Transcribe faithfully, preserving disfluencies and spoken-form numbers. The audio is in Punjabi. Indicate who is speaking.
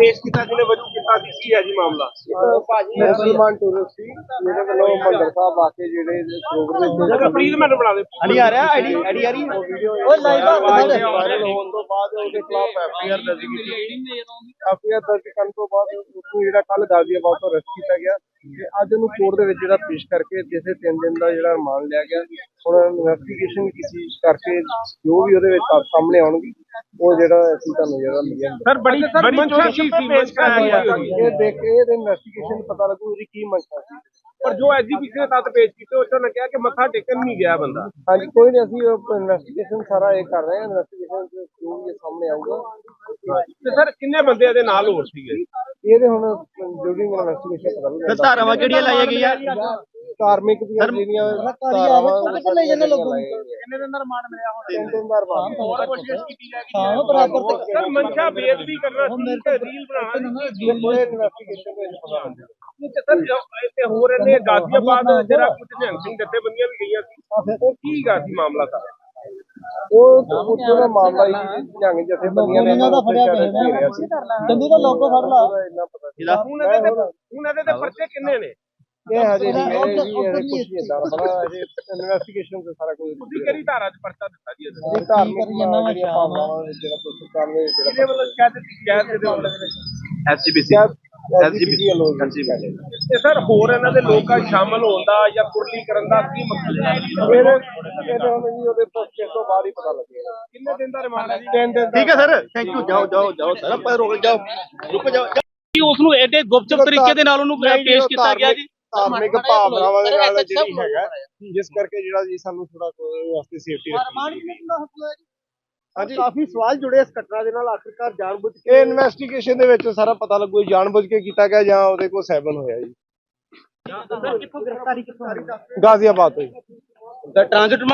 Speaker 1: ਪੇਸ਼ ਕੀਤਾ ਜਿਹਨੇ ਵਜੂ ਕੀਤਾ ਸੀ ਕੀ ਹੈ ਜੀ ਮਾਮਲਾ?
Speaker 2: ਮੁਸਲਮਾਨ ਟੂਰਿਸਟ ਸੀ ਜਿਹਦੇ ਵੱਲੋਂ ਮੰਦਰ ਸਾਹਿਬ ਆ ਕੇ ਜਿਹੜੇ ਪ੍ਰੋਗਰਾਮ
Speaker 1: ਪਲੀਜ਼ ਮੈਨੂੰ ਬਣਾ ਦੇ।
Speaker 2: ਅੜੀ ਆ ਰਿਹਾ ਆਈਡੀ ਆਈਡੀ ਆ ਰਹੀ ਉਹ ਲਾਈਵ ਵਾਇਰਲ ਹੋਣ ਤੋਂ ਬਾਅਦ ਉਹਦੇ ਖਿਲਾਫ ਐਫਆਈਆਰ ਦਰਜ ਕੀਤੀ। ਐਫਆਈਆਰ ਦਰਜ ਕਰਨ ਤੋਂ ਬਾਅਦ ਉਸਨੂੰ ਜਿਹੜਾ ਕੱਲ ਗਾਜ਼ੀਆਬਾਦ ਤੋਂ ਅਰੈਸਟ ਕੀਤਾ ਗਿਆ ਤੇ ਅੱਜ ਉਹਨੂੰ ਕੋਰਟ ਦੇ ਵਿੱਚ ਜਿਹੜਾ ਪੇਸ਼ ਕਰਕੇ ਜਿਸੇ ਤਿੰਨ ਦਿਨ ਦਾ ਜਿਹੜਾ ਰਿਮਾਂਡ ਲਿਆ ਗਿਆ। ਹੁਣ ਇਨਵੈਸਟੀਗੇਸ਼ਨ ਕੀਤੀ ਕਰਕੇ ਜੋ ਵੀ ਉਹਦੇ ਵਿੱਚ ਸਾਹਮਣੇ ਆਉਣਗੇ ਉਹ ਜਿਹੜਾ ਅਸੀਂ ਤੁਹਾਨੂੰ ਜਿਹੜਾ ਮਿਲਿਆ
Speaker 1: ਸਰ ਬੜੀ ਬੜੀ ਮੰਸ਼ਾ ਸੀ ਪੇਸ਼ ਕਰਾਇਆ ਗਿਆ।
Speaker 2: ਇਹ ਦੇਖ ਕੇ ਇਹਦੇ ਇਨਵੈਸਟੀਗੇਸ਼ਨ ਪਤਾ ਲੱਗੂ ਇਹਦੀ ਕੀ ਮੰਸ਼ਾ ਸੀ।
Speaker 1: ਪਰ ਜੋ ਐਜੀਪੀਸੀ ਨੇ ਤੱਤ ਪੇਸ਼ ਕੀਤੇ ਉਸ ਨੇ ਕਿਹਾ ਕਿ ਮੱਥਾ ਟੇਕਣ ਨਹੀਂ ਗਿਆ ਬੰਦਾ।
Speaker 2: ਹਾਂਜੀ ਕੋਈ ਨਹੀਂ ਅਸੀਂ ਇਨਵੈਸਟੀਗੇਸ਼ਨ ਸਾਰਾ ਇਹ ਕਰ ਰਹੇ ਹਾਂ। ਇਨਵੈਸਟੀਗੇਸ਼ਨ ਜੋ ਵੀ ਸਾਹਮਣੇ ਆਊਗਾ।
Speaker 1: ਤੇ ਸਰ ਕਿੰਨੇ ਬੰਦੇ ਇਹਦੇ ਨਾਲ ਹੋਰ ਸੀਗੇ?
Speaker 2: ਇਹਦੇ ਹੁਣ ਡਿਊਰਿੰਗ ਇਨਵੈਸਟੀਗੇਸ਼ਨ ਪਤਾ ਲੱਗੂਗਾ।
Speaker 3: ਧਾਰਾਵਾਂ ਕਿਹੜੀਆਂ ਲਾਈਆਂ ਗਈਆਂ?
Speaker 2: ਧਾਰਮਿਕ ਦੀਆਂ ਜਿਹੜੀਆਂ ਧਾਰਾਵਾਂ
Speaker 3: ਲੈ ਜਾਂਦੇ ਲੋਕਾਂ ਨੂੰ ਕਿੰਨੇ ਦਿਨ ਦਾ ਰਿਮਾਂਡ ਮਿਲਿਆ? ਹੁਣ
Speaker 2: ਤਿੰਨ ਦਿਨ ਦਾ ਰਿਮਾਂਡ
Speaker 3: ਹੋਰ ਕੋਸ਼ਿਸ਼ ਕੀਤੀ ਜਾਏਗੀ। ਹਾਂ ਬਰਾਬਰ ਤੇ
Speaker 1: ਸਰ ਮਨਸ਼ਾ ਬੇਅਦਬੀ ਕਰਨਾ ਸੀ ਤੇ ਰੀਲ ਬਣਾਉਣਾ ਸੀ।
Speaker 2: ਕੋਈ ਇਨਵੈਸਟੀਗੇਸ਼ਨ ਵਿੱਚ ਪਤਾ ਲੱਗੂਗਾ।
Speaker 1: ਸਰ ਇੱਥੇ ਹੋ ਰਹੇ ਨੇ ਗਾਜ਼ੀਆਬਾਦ ਜਿਹੜਾ ਕੁਝ ਨਿਹੰਗ ਸਿੰਘ ਜਥੇਬੰਦੀਆਂ ਵੀ ਗਈਆਂ ਸੀ ਉਹ ਕੀ ਗਾ ਸੀ ਮਾਮਲਾ ਸਰ?
Speaker 2: ਉਹ ਉੱਥੋਂ ਦਾ ਮਾਮਲਾ ਹੀ ਨਿਹੰਗ ਜਥੇਬੰਦੀਆਂ ਨੇ ਇਹਨਾਂ ਦਾ ਫੜਿਆ ਪਿਆ ਸੀ।
Speaker 3: ਜੰਦੀ ਦਾ ਲੋਗੋ ਫੜ ਲਾ।
Speaker 2: ਇੰਨਾ ਪਤਾ
Speaker 1: ਹੁਣ ਇਹਦੇ ਤੇ ਹੁਣ ਇਹਦੇ ਤੇ ਪਰਚੇ ਕਿੰਨੇ ਨੇ?
Speaker 2: ਇਹ ਹਜੇ ਨਹੀਂ ਇਹ ਜੀ ਇਹ ਕੁਝ ਨਹੀਂ ਇਦਾਂ ਬੜਾ ਹਜੇ ਇਨਵੈਸਟੀਗੇਸ਼ਨ ਤੇ ਸਾਰਾ ਕੁਝ
Speaker 1: ਤੁਸੀਂ ਕਿਹੜੀ ਧਾਰਾ 'ਚ ਪਰਚਾ ਦਿੱਤਾ ਜੀ ਇਹਦੇ?
Speaker 2: ਇਹ ਧਾਰਮਿਕ ਜਿਹੜੀਆਂ ਭਾਵਨਾਵਾਂ ਜਿਹੜਾ ਤੁਸੀਂ ਕਰ ਰਹੇ ਜਿਹੜਾ
Speaker 1: ਇਹਦੇ ਵੱਲੋਂ ਸ਼ਿਕਾਇਤ ਸ਼ਿਕਾਇਤ ਦੇ ਵੱਲੋਂ
Speaker 2: ਐਸਜੀਪੀਸੀ ਐਸਜੀਪੀਸੀ
Speaker 1: ਤੇ ਸਰ ਹੋਰ ਇਹਨਾਂ ਦੇ ਲੋਕਾਂ ਸ਼ਾਮਲ ਹੋਣ ਦਾ ਜਾਂ ਕੁਰਲੀ ਕਰਨ ਦਾ ਕੀ ਮਕਸਦ ਹੈ?
Speaker 2: ਫਿਰ ਇਹਦੇ ਹੁਣ ਜੀ ਉਹਦੇ ਪਰਚੇ ਤੋਂ ਬਾਅਦ ਹੀ ਪਤਾ ਲੱਗੇਗਾ।
Speaker 1: ਕਿੰਨੇ ਦਿਨ ਦਾ ਰਿਮਾਂਡ ਹੈ ਜੀ?
Speaker 2: ਤਿੰਨ ਦਿਨ ਦਾ।
Speaker 3: ਠੀਕ ਹੈ ਸਰ ਥੈਂਕ ਯੂ। ਜਾਓ ਜਾਓ ਜਾਓ ਸਰ ਆਪਾਂ ਰੁਕ ਜਾਓ ਰੁਕ ਜਾਓ।
Speaker 4: ਉਸ ਨੂੰ ਐਡੇ ਗੁਪਚੁਪ ਤਰੀਕੇ ਦੇ ਨਾਲ ਉਹਨੂੰ ਪੇਸ਼ ਕੀਤਾ ਗਿਆ ਜੀ।
Speaker 2: ਧਾਰਮਿਕ ਭਾਵਨਾਵਾਂ ਦੇ ਨਾਲ ਜਿਹੜੀ ਹੈਗਾ ਜਿਸ ਕਰਕੇ ਜਿਹੜਾ ਜੀ ਸਾਨੂੰ ਥੋੜਾ ਵਾਸਤੇ ਸੇਫਟੀ ਰੱਖੀ। ਹਾਂਜੀ
Speaker 3: ਕਾਫੀ ਸਵਾਲ ਜੁੜੇ ਇਸ ਘਟਨਾ ਦੇ ਨਾਲ। ਆਖਿਰਕਾਰ ਜਾਣਬੁੱਝ ਕੇ
Speaker 2: ਇਹ ਇਨਵੈਸਟੀਗੇਸ਼ਨ ਦੇ ਵਿੱਚ ਸਾਰਾ ਪਤਾ ਲੱਗੂ ਜਾਣਬੁੱਝ ਕੇ ਕੀਤਾ ਗਿਆ ਜਾਂ ਉਹਦੇ ਕੋਲ ਸੈਵਨ ਹੋਇਆ ਜੀ।
Speaker 4: ਕਿੱਥੋਂ ਗ੍ਰਿਫਤਾਰੀ ਕਿੱਥੋਂ?
Speaker 2: ਗਾਜ਼ੀਆਬਾਦ ਤੋਂ ਜੀ।
Speaker 4: ਟ੍ਰਾਂਜ਼ਿਟ